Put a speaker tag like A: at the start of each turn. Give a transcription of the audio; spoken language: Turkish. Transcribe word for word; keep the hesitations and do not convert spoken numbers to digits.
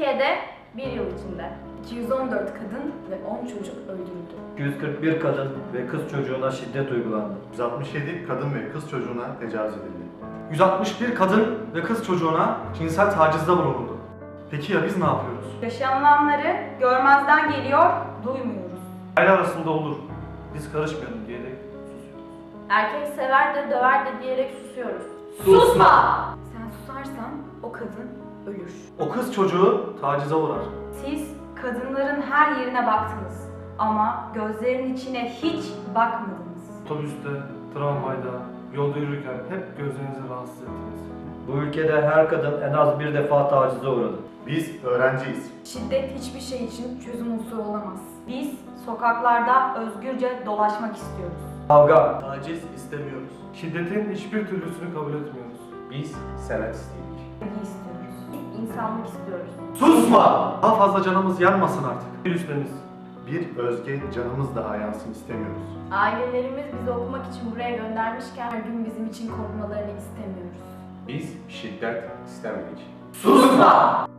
A: Türkiye'de bir yıl içinde
B: iki yüz on dört kadın ve on çocuk öldürüldü.
C: iki yüz kırk bir kadın ve kız çocuğuna şiddet uygulandı.
D: yüz altmış yedi kadın ve kız çocuğuna tecavüz edildi.
E: yüz altmış bir kadın ve kız çocuğuna cinsel tacizde bulunuldu. Peki ya biz ne yapıyoruz?
F: Yaşanılanları görmezden geliyor, duymuyoruz.
E: Aile arasında olur, biz karışmayalım diyerek susuyoruz.
A: erkek sever de döver de diyerek susuyoruz.
F: Susma!
B: Sen susarsan o kadın ölür.
E: O kız çocuğu tacize uğrar.
F: Siz kadınların her yerine baktınız ama gözlerinin içine hiç bakmadınız.
E: Otobüste, tramvayda, yolda yürürken hep gözlerinizi rahatsız ettiniz.
C: Bu ülkede her kadın en az bir defa tacize uğradı.
D: Biz öğrenciyiz.
B: Şiddet hiçbir şey için çözüm unsuru olamaz.
F: Biz sokaklarda özgürce dolaşmak istiyoruz.
C: Kavga,
G: Taciz istemiyoruz.
E: Şiddetin hiçbir türlüsünü kabul etmiyoruz.
G: Biz senet istedik.
B: Sevgi istiyoruz.
A: İnsanlık istiyoruz.
E: Susma! Daha fazla canımız yanmasın artık. Virüslerimiz.
D: Bir özge canımız daha yansın istemiyoruz.
A: Ailelerimiz bizi okumak için buraya göndermişken her gün bizim için korkmalarını istemiyoruz.
G: Biz şiddet istemedik.
F: Susma!